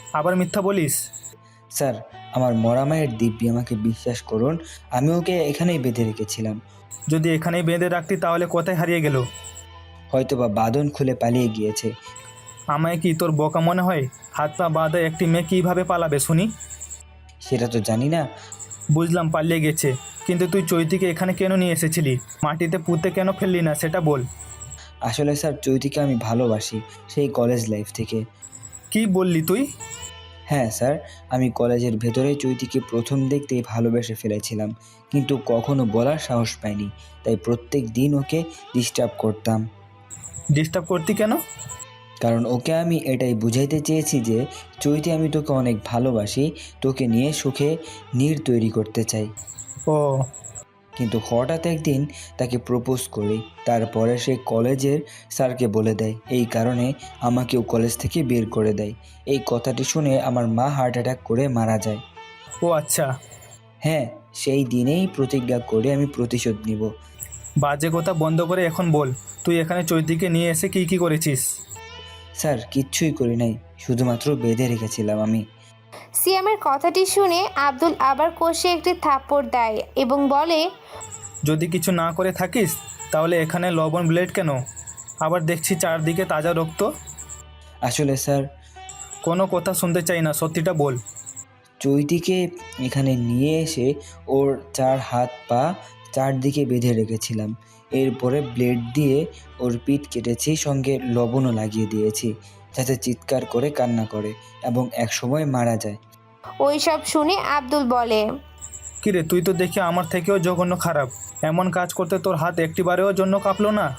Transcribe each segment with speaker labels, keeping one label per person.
Speaker 1: আবার মিথ্যা বলিস?
Speaker 2: স্যার, আমার মরা মায়ের দিব্যি, আমাকে বিশ্বাস করুন, আমি ওকে এখানেই বেঁধে রেখেছিলাম।
Speaker 1: যদি এখানেই বেঁধে রাখতি তাহলে কোথায় হারিয়ে গেল?
Speaker 2: হয়তোবা বাঁধন খুলে পালিয়ে গিয়েছে।
Speaker 1: আমায় কি তোর বোকা মনে হয়? হাত পা বাঁধা একটি মেয়ে কীভাবে পালাবে শুনি?
Speaker 2: সেটা তো জানি না।
Speaker 1: বুঝলাম পালিয়ে গেছে, কিন্তু তুই চৈতিকে এখানে কেন নিয়ে এসেছিলি? মাটিতে পুঁতে কেন ফেললি না সেটা বল।
Speaker 2: আসলে স্যার, চৈতিকে আমি ভালোবাসি সেই কলেজ লাইফ থেকে।
Speaker 1: কি বললি তুই?
Speaker 2: হ্যাঁ স্যার, আমি কলেজের ভেতরে চৈতিকে প্রথম দেখতেই ভালোবেসে ফেলেছিলাম, কিন্তু কখনো বলার সাহস পাইনি। তাই প্রত্যেক দিন ওকে ডিস্টার্ব করতাম।
Speaker 1: ডিস্টার্ব করতি কেন?
Speaker 2: কারণ ওকে আমি এটাই বুঝাইতে চেয়েছি যে চৈতি, আমি তোকে অনেক ভালোবাসি, তোকে নিয়ে সুখে নীড় তৈরি করতে চাই।
Speaker 1: ও,
Speaker 2: কিন্তু হঠাৎ একদিন তাকে প্রপোজ করি, তারপরে সে কলেজের স্যারকে বলে দেয়। এই কারণে আমাকেও কলেজ থেকে বের করে দেয়। এই কথাটি শুনে আমার মা হার্ট অ্যাটাক করে মারা যায়।
Speaker 1: ও আচ্ছা।
Speaker 2: হ্যাঁ, সেই দিনেই প্রতিজ্ঞা করে আমি প্রতিশোধ নিব।
Speaker 1: বাজে কথা বন্ধ করে এখন বল, তুই এখানে চৈতিকে নিয়ে এসে কি করেছিস?
Speaker 2: স্যার, কিচ্ছুই করি নাই, শুধুমাত্র বেঁধে রেখেছিলাম আমি।
Speaker 3: সিয়ামের কথাটি শুনে আব্দুল আবার কষে একটি থাপ্পড় দেয় এবং বলে,
Speaker 1: যদি কিছু না করে থাকিস তাহলে এখানে লবণ ব্লেড কেন? আবার দেখছি চারদিকে তাজা রক্ত।
Speaker 2: আসলে স্যার,
Speaker 1: কোনো কথা শুনতে চাই না, সত্যিটা বল।
Speaker 2: চৈতিকে এখানে নিয়ে এসে ওর 4 হাত পা চারদিকে বেঁধে রেখেছিলাম। এরপরে ব্লেড দিয়ে ওর পিঠ কেটেছি, সঙ্গে লবণও লাগিয়ে দিয়েছি, যাতে চিৎকার করে কান্না করে এবং একসময় মারা যায়।
Speaker 3: ওই সব শুনে আব্দুল বলে,
Speaker 1: কিরে, তুই তো দেখি আমার থেকেও জঘন্য খারাপ। এমন কাজ করতে তোর হাত একটিবারেও জন্য কাঁপলো না?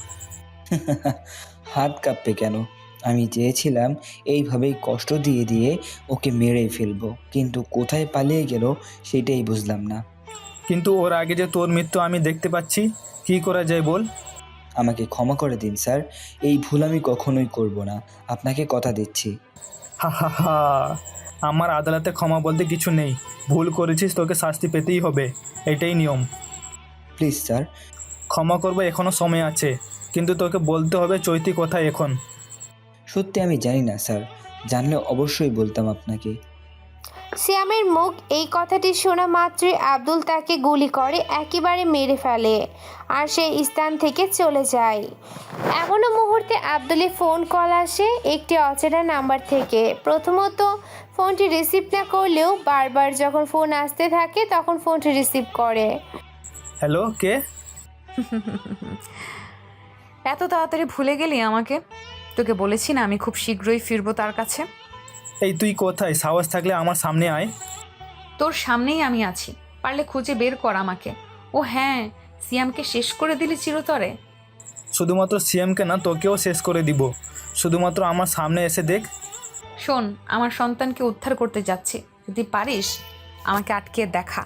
Speaker 2: হাত কাঁপবে কেন? আমি চেয়েছিলাম এইভাবেই কষ্ট দিয়ে দিয়ে ওকে মেরেই ফেলবো, কিন্তু কোথায় পালিয়ে গেল সেটাই বুঝলাম না।
Speaker 1: কিন্তু ওর আগে যে তোর মৃত্যু আমি দেখতে পাচ্ছি, কি করা যায় বল?
Speaker 2: আমাকে ক্ষমা করে দিন স্যার, এই ভুল আমি কখনোই করব না, আপনাকে কথা দিচ্ছি।
Speaker 1: হা হা হা, আমার আদালতে ক্ষমা বলতে কিছু নেই। ভুল করেছিস, তোকে শাস্তি পেতেই হবে, এটাই নিয়ম।
Speaker 2: Please sir.
Speaker 1: ক্ষমা করবো, এখনও সময় আছে, কিন্তু তোকে বলতে হবে চৈতি কোথায় এখন।
Speaker 2: সত্যি আমি জানি না স্যার, জানলে অবশ্যই বলতাম আপনাকে।
Speaker 3: সিয়ামের মুখ এই কথাটি শোনা মাত্রই আব্দুল তাকে গুলি করে একেবারে মেরে ফেলে আর সেই স্থান থেকে চলে যায়। এমনও মুহূর্তে আব্দুলের ফোন কল আসে একটি অচেনা নাম্বার থেকে। প্রথমত ফোনটি রিসিভ না করলেও বারবার যখন ফোন আসতে থাকে তখন ফোনটি রিসিভ করে।
Speaker 1: হ্যালো, কে?
Speaker 4: এত তাড়াতাড়ি ভুলে গেলি আমাকে? তোকে বলেছি না আমি খুব শীঘ্রই ফিরবো তার কাছে।
Speaker 1: এই তুই কোথায়? সাহস থাকলে আমার সামনে আয়।
Speaker 4: তোর সামনেই আমি আছি, পারলে খুঁজে বের কর আমাকে। ও হ্যাঁ, সিয়ামকে শেষ করে দিলি চিরতরে।
Speaker 1: শুধুমাত্র সিএমকে না, তোকেও শেষ করে দিব। শুধুমাত্র আমার সামনে এসে দেখ।
Speaker 4: শোন, আমার সন্তানকে উদ্ধার করতে যাচ্ছি, যদি পারিস আমাকে আটকে দেখা।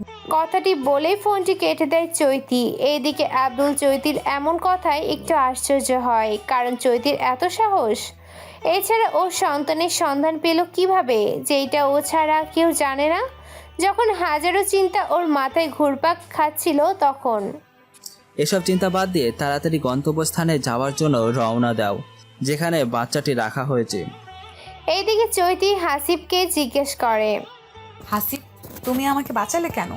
Speaker 3: কথাটি বলেই ফোনটি কেটে দেয় চৈতি। এইদিকে আব্দুল চৈতির এমন কথায় একটু আশ্চর্য হয়, কারণ চৈতির এত সাহস। এছাড়া ও সন্তানের সন্ধান পেল কিভাবে, যেটা ও ছাড়া কেউ জানে না। যখন হাজারো চিন্তা ওর মাথায় ঘুরপাক খাচ্ছিল তখন
Speaker 5: এসব চিন্তা বাদ দিয়ে তাড়াতাড়ি গন্তব্যস্থানে যাওয়ার জন্য রওনা দাও, যেখানে বাচ্চাটি রাখা হয়েছে।
Speaker 3: এইদিকে চৈতি হাসিবকে জিজ্ঞেস করে,
Speaker 4: হাসিব, তুমি আমাকে বাঁচালে কেন?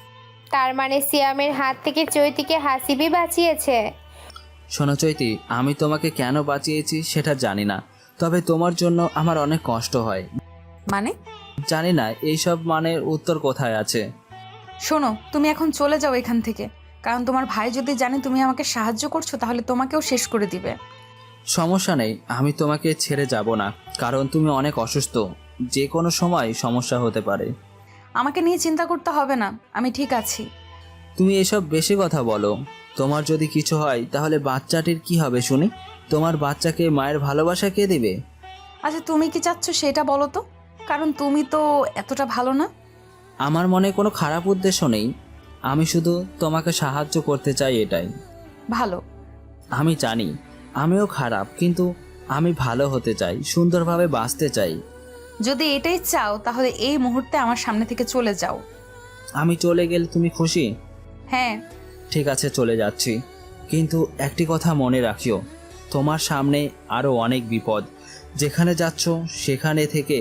Speaker 3: তার মানে সিয়ামের হাত থেকে চৈতিকে হাসিবই বাঁচিয়েছে।
Speaker 5: শোনো চৈতি, আমি তোমাকে কেন বাঁচিয়েছি সেটা জানি না, তবে তোমার জন্য আমার অনেক কষ্ট হয়।
Speaker 4: মানে?
Speaker 5: জানি না এইসব মানের উত্তর কোথায় আছে।
Speaker 4: শোনো, তুমি এখন চলে যাও এখান থেকে, কারণ তোমার ভাই যদি জানে তুমি আমাকে সাহায্য করছো তাহলে তোমাকেও শেষ করে দিবে।
Speaker 5: সমস্যা নেই, আমি তোমাকে ছেড়ে যাব না, কারণ তুমি অনেক অসুস্থ, যে কোনো সময় সমস্যা হতে পারে।
Speaker 4: আমাকে নিয়ে চিন্তা করতে হবে না, আমি ঠিক আছি।
Speaker 5: তুমি এসব বেশি কথা বলো। তোমার যদি কিছু হয় তাহলে বাচ্চাটির কি হবে শুনি? তোমার বাচ্চাকে মায়ের ভালোবাসা কে দিবে?
Speaker 4: আচ্ছা, তুমি কি চাচ্ছ সেটা বলো তো, কারণ তুমি তো এতটা ভালো না।
Speaker 5: আমার মনে কোনো খারাপ উদ্দেশ্য নেই, আমি শুধু তোমাকে সাহায্য করতে চাই, এটাই।
Speaker 4: ভালো।
Speaker 5: আমি জানি আমিও খারাপ, কিন্তু আমি ভালো হতে চাই, সুন্দরভাবে বাঁচতে চাই।
Speaker 4: যদি এটাই চাও তাহলে এই মুহূর্তে আমার সামনে থেকে চলে যাও।
Speaker 5: আমি চলে গেলে তুমি খুশি?
Speaker 4: হ্যাঁ।
Speaker 5: ঠিক আছে, চলে যাচ্ছি, কিন্তু একটি কথা মনে রাখিও, তোমার সামনে আরও অনেক বিপদ। যেখানে যাচ্ছ সেখানে থেকে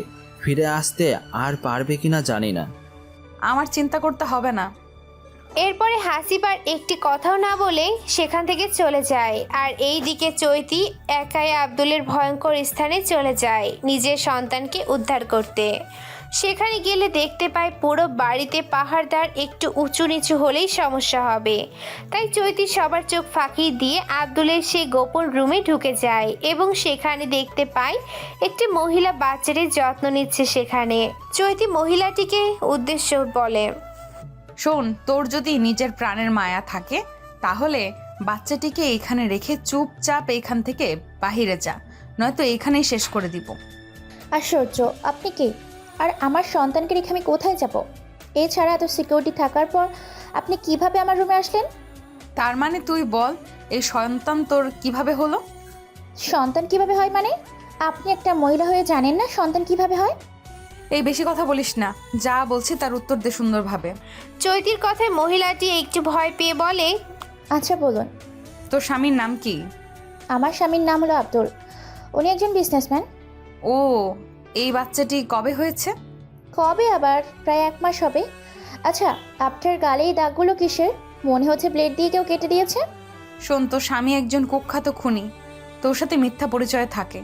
Speaker 5: ফিরে আসতে আর পারবে কিনা জানি না।
Speaker 4: আমার চিন্তা করতে হবে না।
Speaker 3: এরপরে হাসিবার একটি কথাও না বলে সেখান থেকে চলে যায়। আর এই দিকে চৈতি একাই আব্দুলের ভয়ঙ্কর স্থানে চলে যায় নিজের সন্তানকে উদ্ধার করতে। সেখানে গেলে দেখতে পায় পুরো বাড়িতে পাহাড়দার একটু উঁচু নিচু হলেই সমস্যা হবে, তাই চৈতি সবার চোখ ফাঁকি দিয়ে আব্দুলের সেই গোপন রুমে ঢুকে যায় এবং সেখানে দেখতে পায় একটি মহিলা বাচ্চাদের যত্ন নিচ্ছে। সেখানে চৈতি মহিলাটিকে উদ্দেশ্য বলে,
Speaker 4: শোন, তোর যদি নিজের প্রাণের মায়া থাকে তাহলে বাচ্চাটিকে এখানে রেখে চুপচাপ এখান থেকে বাহিরে যা, নয়তো এখানেই শেষ করে দিব।
Speaker 6: আশ্চর্য, আপনি কি? আর আমার সন্তানকে রেখে আমি কোথায় যাব? এছাড়া এত সিকিউরিটি থাকার পর আপনি কিভাবে আমার রুমে আসলেন?
Speaker 4: তার মানে তুই বল, এই সন্তান তোর কিভাবে হলো?
Speaker 6: সন্তান কিভাবে হয় মানে? আপনি একটা মহিলা হয়ে জানেন না সন্তান কিভাবে হয়?
Speaker 4: এই বেশি কথা বলিস না, যা বলছি তার উত্তর দে সুন্দরভাবে।
Speaker 3: চৈতির কথায় মহিলাটি একটু ভয় পেয়ে বলে,
Speaker 6: আচ্ছা বলুন।
Speaker 4: তোর স্বামীর নাম কি?
Speaker 6: আমার স্বামীর নাম হলো আব্দুল, উনি একজন বিজনেসম্যান।
Speaker 4: ও, এই বাচ্চাটি কবে হয়েছে?
Speaker 6: কবে আবার? প্রায় 1 মাস হবে। আচ্ছা, আপনার গালে এই দাগগুলো কিসের? মনে হচ্ছে ব্লেড দিয়ে কেউ কেটে দিয়েছে।
Speaker 4: শোন, তোর স্বামী একজন কুখ্যাত খুনি, তোর সাথে মিথ্যা পরিচয় থাকে।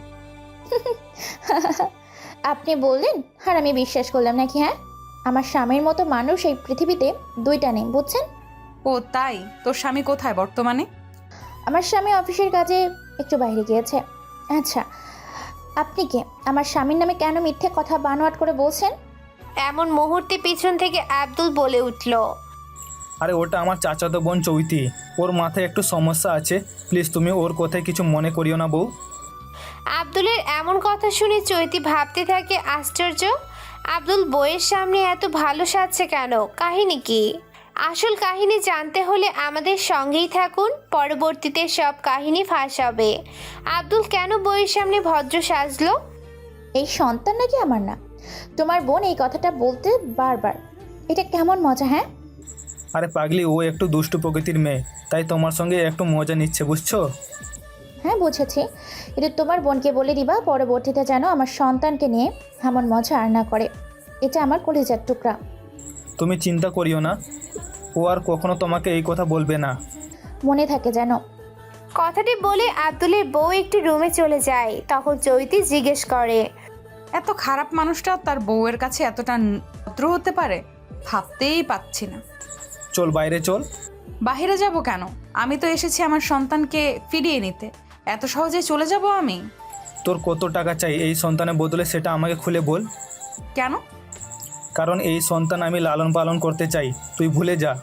Speaker 6: আপনি বললেন আর আমি বিশ্বাস করলাম নাকি? হ্যাঁ, আমার স্বামীর মতো মানুষ এই পৃথিবীতে 2টা নেই, বুঝছেন?
Speaker 4: ও তাই? তোর স্বামী কোথায় বর্তমানে?
Speaker 6: আমার স্বামী অফিসের কাজে একটু বাইরে গিয়েছে। আচ্ছা, আপনি কে? আমার স্বামীর নামে কেন মিথ্যে কথা বানোয়াট করে বলছেন?
Speaker 3: এমন মুহূর্তে পিছন থেকে আব্দুল বলে উঠল,
Speaker 1: আরে ওটা আমার চাচাতো বোন চৈতি, ওর মাথায় একটু সমস্যা আছে, প্লিজ তুমি ওর কথায় কিছু মনে করিও না বউ।
Speaker 3: আব্দুলের এমন কথা শুনে চৈতি ভাবতে থাকে আশ্চর্য, আব্দুল বইয়ের সামনে এত ভালো সাজছে কেন? কাহিনী কি? আসল কাহিনী জানতে হলে আমাদের সঙ্গেই থাকুন, পরবর্তীতে সব কাহিনী ফাঁস হবে। আব্দুল কেন বইয়ের সামনে ভদ্র সাজলো?
Speaker 6: এই সন্তান নাকি আমার না? তোমার বোন এই কথাটা বলতে বারবার, এটা কেমন মজা? হ্যাঁ,
Speaker 1: আরে পাগলি, ও একটু দুষ্টু প্রকৃতির মেয়ে, তাই তোমার সঙ্গে একটু মজা নিচ্ছে, বুঝছো?
Speaker 6: হ্যাঁ বুঝেছি, কিন্তু তোমার বোনকে বলে দিবা পরবর্তীতে যেন আমার সন্তানকে নিয়ে এমন মজা আর না করে। এটা আমার কলিজার টুকরা।
Speaker 1: তুমি চিন্তা করিও না, ও আর কখনো তোমাকে এই কথা বলবে না।
Speaker 6: মনে থাকে যেন।
Speaker 3: কথাটি বলে আব্দুলের বউ একটু রুমে চলে যায়। তখন চৈতি জিজ্ঞেস করে,
Speaker 4: এত খারাপ মানুষটা তার বউয়ের কাছে এতটা ভদ্র হতে পারে? ভাবতেই পাচ্ছি না।
Speaker 1: চল বাইরে চল।
Speaker 4: বাহিরে যাব কেন? আমি তো এসেছি আমার সন্তানকে ফিরিয়ে নিতে, এত সহজে চলে যাব আমি?
Speaker 1: তোর কত টাকা চাই এই সন্তানের বদলে সেটা আমাকে খুলে বল।
Speaker 4: কেন?
Speaker 1: কারণ এই সন্তান আমি লালন পালন করতে চাই, তুই ভুলে যা।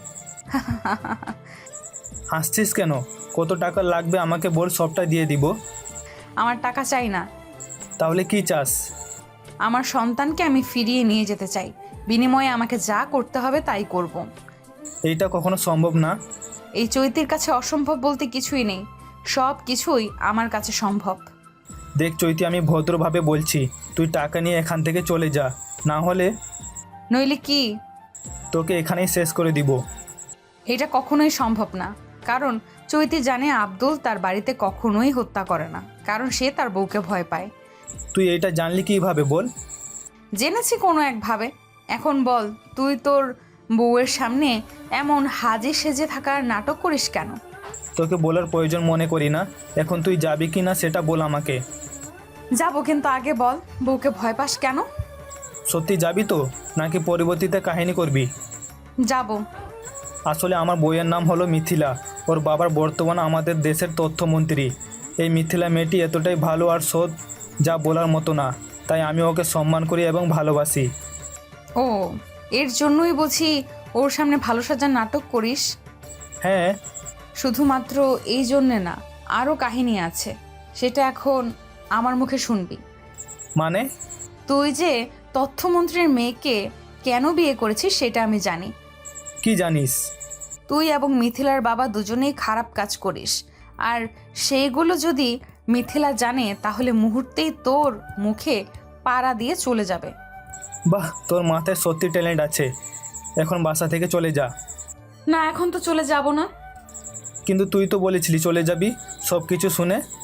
Speaker 1: হাসছিস কেন? কত টাকা লাগবে আমাকে বল, সবটা দিয়ে দিব।
Speaker 4: আমার টাকা চাই না,
Speaker 1: তাহলে কি চাস?
Speaker 4: আমার সন্তানকে আমি ফিরিয়ে নিয়ে যেতে চাই, বিনিময়ে আমাকে যা করতে হবে তাই করব।
Speaker 1: এইটা কখনো সম্ভব না।
Speaker 4: এই চৈতির কাছে অসম্ভব বলতে কিছুই নেই, সব কিছুই আমার কাছে সম্ভব।
Speaker 1: দেখ চৈতি, আমি ভদ্রভাবে বলছি, তুই টাকা নিয়ে এখান থেকে চলে যা, না হলে
Speaker 4: নইলে কি?
Speaker 1: তোকে এখানেই শেষ করে দিব।
Speaker 4: এটা কখনোই সম্ভব না, কারণ চৈতি জানে আব্দুল তার বাড়িতে কখনোই হত্যা করে না, কারণ সে তার বউকে ভয় পায়।
Speaker 1: তুই এইটা জানলি কিভাবে বল?
Speaker 4: জেনেছি কোনো একভাবে। এখন বল, তুই তোর বউয়ের সামনে এমন হাজে সেজে থাকার নাটক করিস কেন?
Speaker 1: তোকে বলার প্রয়োজন মনে করি না, এখন তুই যাবি কি না সেটা বল আমাকে।
Speaker 4: যাবো, কিন্তু আগে বল বউকে ভয় পাস কেন?
Speaker 1: সত্যি যাবি তো, নাকি পরবর্তীতে কাহিনী করবি?
Speaker 4: যাবো।
Speaker 1: আসলে আমার বইয়ের নাম হলো মিথিলা, ওর বাবার বর্তমানে আমাদের দেশের তথ্যমন্ত্রী। এই মিথিলা মেয়েটি এতটাই ভালো আর সৎ, যা বলার মতো না, তাই আমি ওকে সম্মান করি এবং ভালোবাসি।
Speaker 4: ও, এর জন্যই বুঝি ওর সামনে ভালো সাজার নাটক করিস?
Speaker 1: হ্যাঁ।
Speaker 4: শুধুমাত্র এই জন্যে না, আরও কাহিনী আছে, সেটা এখন আমার মুখে শুনবি।
Speaker 1: মানে?
Speaker 4: তুই যে তথ্যমন্ত্রীর মেয়েকে কেন বিয়ে করেছিস সেটা আমি জানি।
Speaker 1: কি জানিস?
Speaker 4: তুই এবং মিথিলার বাবা দুজনেই খারাপ কাজ করিস, আর সেইগুলো যদি মিথিলা জানে তাহলে মুহূর্তেই তোর মুখে পাড়া দিয়ে চলে যাবে।
Speaker 1: বাহ, তোর মাথায় সত্যি ট্যালেন্ট আছে। এখন বাসা থেকে চলে যা।
Speaker 4: না, এখন তো চলে যাব না।
Speaker 1: কিন্তু তুই তো বলেছিলি চলে যাবি সব কিছু শুনে।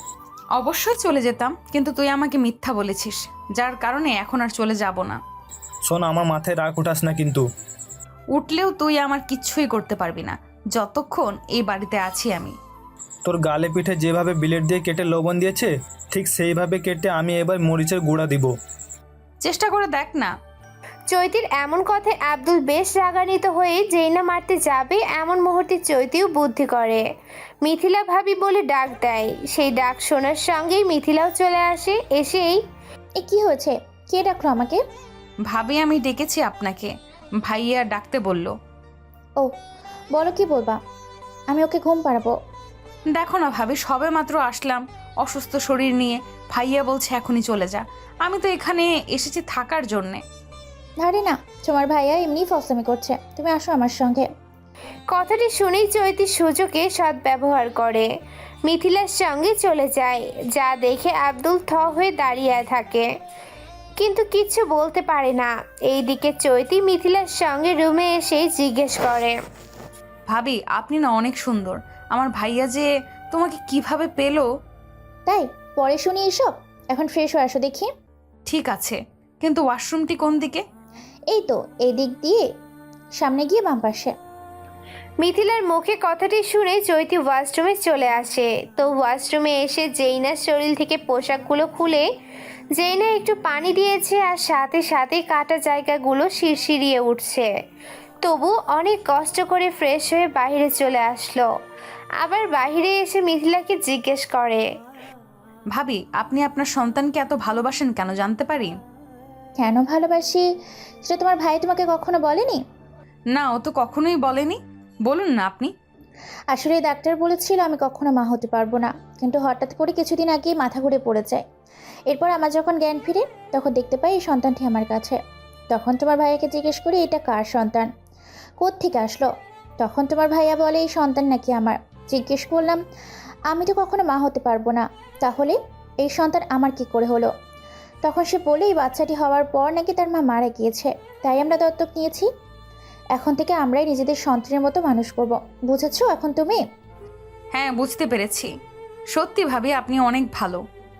Speaker 4: অবশ্যই চলে যেতাম, কিন্তু তুই আমাকে মিথ্যা বলেছিস, যার কারণে এখন আর চলে যাব না।
Speaker 1: শোন, আমার মাথায় রাগ উঠাস না কিন্তু।
Speaker 4: উঠলেও তুই আমার কিচ্ছুই করতে পারবি না যতক্ষণ এই বাড়িতে আছি আমি।
Speaker 1: তোর গালে পিঠে যেভাবে ব্লেড দিয়ে কেটে লবণ দিয়েছে, ঠিক সেইভাবে কেটে আমি এবার মরিচের গুঁড়া দিব।
Speaker 4: চেষ্টা করে দেখ না।
Speaker 3: চৈতির এমন কথায় আব্দুল বেশ রাগান্বিত হয়ে যেই না মারতে যাবে এমন মুহূর্তে চৈতিও বুদ্ধি করে। মিথিলা ভাবি বলে ডাক দেয়। সেই ডাক শোনার সঙ্গেই মিথিলাও চলে আসে। এসেই
Speaker 6: এ কি হয়েছে? কে ডাকলো আমাকে?
Speaker 4: ভাবি আমি ডেকেছি আপনাকে, ভাইয়া ডাকতে বলল।
Speaker 6: ও, বলো কি বলবা? আমি ওকে ঘুম পাড়াবো।
Speaker 4: দেখো না ভাবি, সবে মাত্র আসলাম অসুস্থ শরীর নিয়ে, ভাইয়া বলছে এখনই চলে যা। আমি তো এখানে এসেছি থাকার জন্যে।
Speaker 6: আরে না, তোমার ভাইয়া এমনি ফসলামি করছে, তুমি আসো আমার সঙ্গে।
Speaker 3: কথাটি শুনেই চৈতি সুযোগে সদ্ব্যবহার করে মিথিলার সঙ্গে চলে যায়। যা দেখে আব্দুল থ হয়ে দাঁড়িয়ে থাকে, কিন্তু কিছু বলতে পারে না। এইদিকে চৈতি মিথিলার সঙ্গে রুমে এসে জিজ্ঞেস করে,
Speaker 4: ভাবি আপনি না অনেক সুন্দর, আমার ভাইয়া যে তোমাকে কিভাবে পেলো?
Speaker 6: তাই পরে শুনি এসব, এখন ফ্রেশ হয়ে আসো দেখি।
Speaker 4: ঠিক আছে, কিন্তু ওয়াশরুমটি কোন দিকে?
Speaker 6: এই তো, এই দিক দিয়ে সামনে গিয়ে বাম পাশে।
Speaker 3: মিথিলার মুখে কথাটি শুনে চৈতি ওয়াশরুমে চলে আসে। তো ওয়াশরুমে এসে জেইনার শরীর থেকে পোশাকগুলো খুলে জেইনা একটু পানি দিয়েছে, আর সাথে সাথে কাটা জায়গাগুলো শিরশিরিয়ে উঠছে। তবু অনেক কষ্ট করে ফ্রেশ হয়ে বাইরে চলে আসলো। আবার বাইরে এসে মিথিলাকে জিজ্ঞেস করে,
Speaker 4: ভাবি আপনি আপনার সন্তানকে এত ভালোবাসেন কেন, জানতে পারি?
Speaker 6: কেন ভালোবাসি সেটা তোমার ভাই তোমাকে কখনো বলেনি?
Speaker 4: না, ও তো কখনোই বলেনি। বলুন না আপনি।
Speaker 6: আসলে ডাক্তার বলেছিল আমি কখনো মা হতে পারবো না, কিন্তু হঠাৎ করে কিছুদিন আগে মাথা ঘুরে পড়ে যায়। এরপর আমার যখন জ্ঞান ফিরে তখন দেখতে পাই এই সন্তানটি আমার কাছে। তখন তোমার ভাইয়াকে জিজ্ঞেস করি এটা কার সন্তান, কোত্থেকে আসলো। তখন তোমার ভাইয়া বলে এই সন্তান নাকি আমার। জিজ্ঞেস করলাম আমি তো কখনো মা হতে পারবো না, তাহলে এই সন্তান আমার কি করে হলো। তখন সে বলে এই বাচ্চাটি হওয়ার পর নাকি তার মা মারা গিয়েছে, তাই আমরা দত্তক নিয়েছি। এখন থেকে আমরাই নিজেদের সন্তানের মতো মানুষ করব, বুঝেছো এখন তুমি?
Speaker 4: হ্যাঁ বুঝতে পেরেছি। সত্যি ভাবি আপনি অনেক ভালো।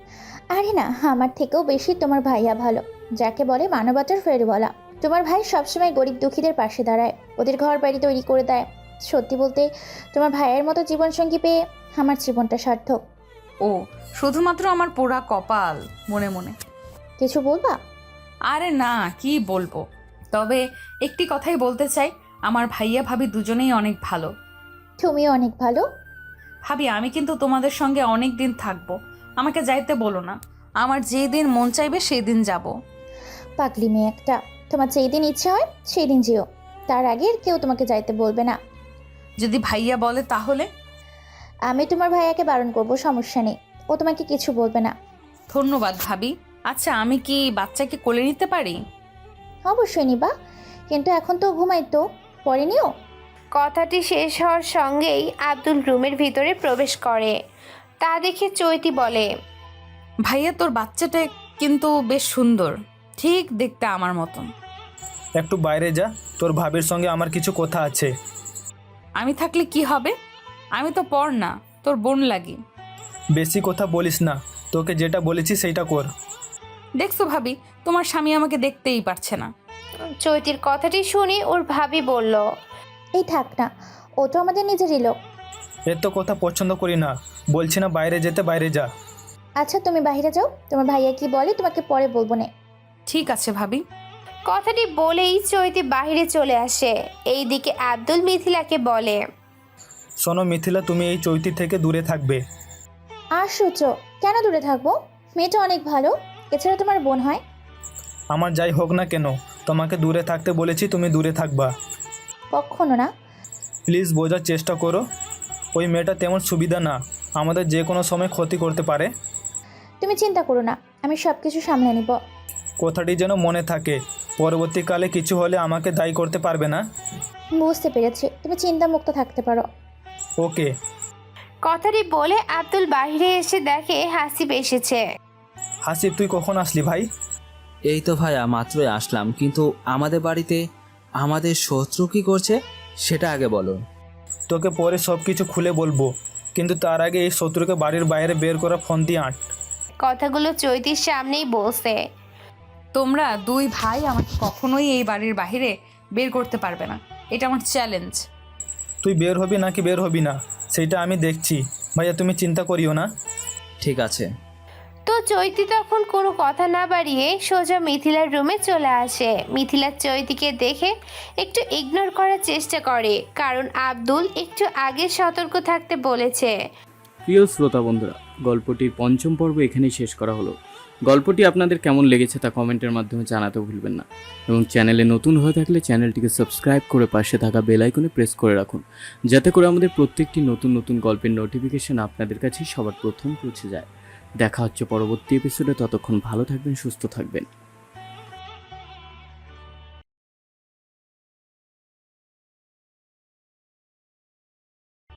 Speaker 6: আরে না, আমার থেকেও বেশি তোমার ভাইয়া ভালো, যাকে বলে মানবতার ফেরিওয়ালা। তোমার ভাই সবসময় গরিব দুঃখীদের পাশে দাঁড়ায়, ওদের ঘর বাড়ি তৈরি করে দেয়। সত্যি বলতে তোমার ভাইয়ের মতো জীবনসঙ্গী পেয়ে আমার জীবনটা সার্থক।
Speaker 4: ও, শুধুমাত্র আমার পোড়া কপাল। মনে মনে
Speaker 6: কিছু বলবা?
Speaker 4: আরে না, কি বলবো, তবে একটি কথাই বলতে চাই, আমার ভাইয়া ভাবি দুজনেই অনেক ভালো।
Speaker 6: তুমিও অনেক ভালো।
Speaker 4: ভাবি আমি কিন্তু তোমাদের সঙ্গে অনেক দিন থাকবো, আমাকে যাইতে বলো না। আমার যেই দিন মন চাইবে সেই দিন যাব।
Speaker 6: পাগলি মেয়ে একটা, তোমার যেই দিন ইচ্ছে হয় সেই দিন যেও, তার আগে আর কেউ তোমাকে যাইতে বলবে না।
Speaker 4: যদি ভাইয়া বলে তাহলে?
Speaker 6: আমি তোমার ভাইয়াকে বারণ করব, সমস্যা নেই, ও তোমাকে কিছু বলবে না।
Speaker 4: ধন্যবাদ ভাবি। আচ্ছা আমি কি বাচ্চাকে কোলে নিতে পারি?
Speaker 6: অবশ্যই নিবা, কিন্তু এখন তো ঘুমাই, তো পরে নিও।
Speaker 3: কথাটি শেষ হওয়ার সঙ্গেই আব্দুল রুমের ভিতরে প্রবেশ করে। তা দেখে চৈতি বলে,
Speaker 4: ভাইয়া তোর বাচ্চাটা কিন্তু বেশ সুন্দর, ঠিক দেখতে আমার মতন।
Speaker 1: একটু বাইরে যা, তোর ভাবির সঙ্গে আমার কিছু কথা আছে।
Speaker 4: আমি থাকলে কি হবে? আমি তো পর না, তোর বোন লাগি।
Speaker 1: বেশি কথা বলিস না, তোকে যেটা বলেছি সেইটা কর।
Speaker 4: দেখছো ভাবি, তোমার স্বামী আমাকে দেখতেই পারছে না।
Speaker 3: চৈতির কথাটি শুনে ওর ভাবি বলল,
Speaker 6: এই থাক না, ও তো আমাদের নিজেরই লোক।
Speaker 1: এত কথা পছন্দ করি না, বলছি না বাইরে যেতে, বাইরে যা।
Speaker 6: আচ্ছা তুমি বাইরে যাও, তোমার ভাইয়া কি বলে তোমাকে পরে বলবো না।
Speaker 4: ঠিক আছে ভাবি।
Speaker 3: কথাটি বলেই চৈতি বাইরে চলে আসে। এইদিকে আব্দুল মিথিলাকে বলে,
Speaker 1: শোনো মিথিলা, তুমি এই চৈতি থেকে দূরে থাকবে।
Speaker 6: আশ্চর্য, কেন দূরে থাকবো? মেয়েটা অনেক ভালো, এছাড়া তোমার বোন হয়।
Speaker 1: আমার যাই হোক না কেন, তোমাকে দূরে থাকতে বলেছি, তুমি দূরে থাকবা।
Speaker 6: কখনো না।
Speaker 1: প্লিজ বোঝার চেষ্টা করো, ওই মেয়েটা তেমন সুবিধা না, আমাদের যে কোনো সময় ক্ষতি করতে পারে।
Speaker 6: তুমি চিন্তা করো না, আমি সব কিছু সামলে নিব।
Speaker 1: কথাটি যেন মনে থাকে, পরবর্তীকালে কিছু হলে আমাকে দায়ী করতে পারবে না।
Speaker 6: বুঝতে পেরেছি, তুমি চিন্তামুক্ত থাকতে পারো।
Speaker 1: ওকে।
Speaker 3: কথাটি বলে আব্দুল বাইরে এসে দেখে হাসিব এসেছে।
Speaker 1: হাসিব, তুই কখন আসলি ভাই?
Speaker 5: এই তো ভাইয়া মাত্রই আসলাম, কিন্তু আমাদের বাড়িতে আমাদের শত্রু কি করছে সেটা আগে বলো।
Speaker 1: তোকে পরে সব কিছু খুলে বলবো, কিন্তু তার আগে এই শত্রুকে বাড়ির বাইরে বের করা ফোন দিয়ে আঁট।
Speaker 3: কথাগুলো চৈতির সামনেই বলছে।
Speaker 4: তোমরা দুই ভাই আমাকে কখনোই এই বাড়ির বাইরে বের করতে পারবে না, এটা আমার চ্যালেঞ্জ।
Speaker 1: তুই বের হবি নাকি বের হবি না সেটা আমি দেখছি। ভাইয়া তুমি চিন্তা করিও না।
Speaker 5: ঠিক আছে।
Speaker 3: তো চৈতি তখন কোনো কথা না বাড়িয়ে সোজা মিথিলার রুমে চলে আসে। মিথিলা চৈতিকে দেখে একটু ইগনোর করার চেষ্টা করে, কারণ আব্দুল একটু আগে সতর্ক থাকতে বলেছে।
Speaker 7: প্রিয় শ্রোতা বন্ধুরা, গল্পটির পঞ্চম পর্ব এখানেই শেষ করা হলো। গল্পটি আপনাদের কেমন লেগেছে তা কমেন্টের মাধ্যমে জানাতে ভুলবেন না, এবং চ্যানেলে নতুন হয়ে থাকলে চ্যানেলটিকে সাবস্ক্রাইব করে পাশে থাকা বেল আইকনে প্রেস করে রাখুন, যাতে করে আমাদের প্রত্যেকটি নতুন নতুন গল্পের নোটিফিকেশন আপনাদের কাছে সবার প্রথম পৌঁছে যায়। দেখা হচ্ছে পরবর্তী এপিসোডে, ততক্ষণ ভালো থাকবেন, সুস্থ থাকবেন।